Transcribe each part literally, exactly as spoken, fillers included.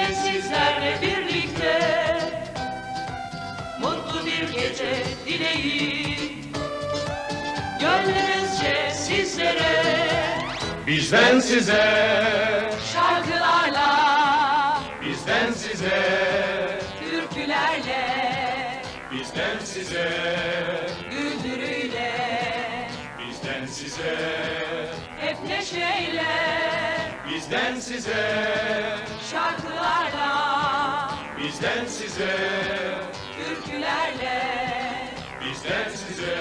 Yine sizlerle birlikte mutlu bir gece dileği gönlümüzce sizlere, Bizden size, şarkılarla, bizden size, türkülerle, bizden size, güldürüyle, bizden size, hep neşeyle, bizden size, şarkılarla, bizden size, türkülerle, bizden size,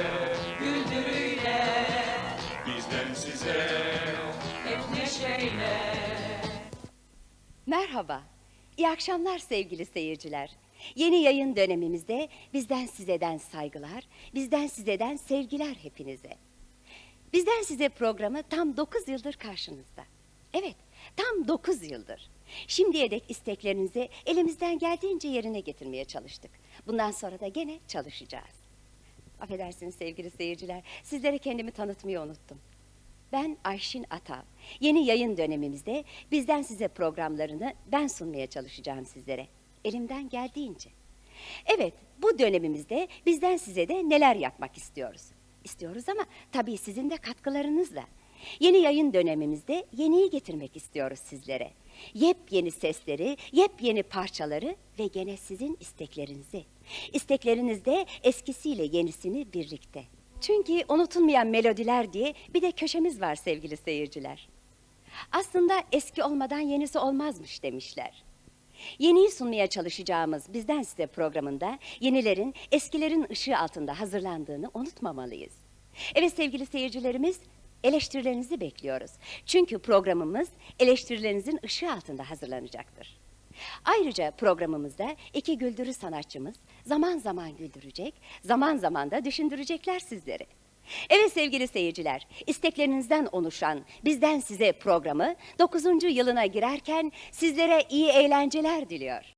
güldürüyle, bizden size. hep neşeyle. Merhaba, iyi akşamlar sevgili seyirciler. Yeni yayın dönemimizde bizden sizeden saygılar, bizden sizeden sevgiler hepinize. Bizden size programı tam dokuz yıldır karşınızda. Evet, tam dokuz yıldır. Şimdiye dek isteklerinizi elimizden geldiğince yerine getirmeye çalıştık. Bundan sonra da gene çalışacağız. Affedersiniz sevgili seyirciler, sizlere kendimi tanıtmayı unuttum. Ben Ayşin Atav. Yeni yayın dönemimizde bizden size programlarını ben sunmaya çalışacağım sizlere. Elimden geldiğince. Evet, bu dönemimizde bizden size de neler yapmak istiyoruz. İstiyoruz ama tabii sizin de katkılarınızla. Yeni yayın dönemimizde yeniyi getirmek istiyoruz sizlere. Yepyeni sesleri, yepyeni parçaları ve gene sizin isteklerinizi. İsteklerinizde eskisiyle yenisini birlikte. Çünkü unutulmayan melodiler diye bir de köşemiz var sevgili seyirciler. Aslında eski olmadan yenisi olmazmış demişler. Yeniyi sunmaya çalışacağımız bizden size programında yenilerin eskilerin ışığı altında hazırlandığını unutmamalıyız. Evet sevgili seyircilerimiz, eleştirilerinizi bekliyoruz. Çünkü programımız eleştirilerinizin ışığı altında hazırlanacaktır. Ayrıca programımızda iki güldürü sanatçımız zaman zaman güldürecek, zaman zaman da düşündürecekler sizleri. Evet sevgili seyirciler, isteklerinizden oluşan bizden size programı dokuzuncu yılına girerken sizlere iyi eğlenceler diliyor.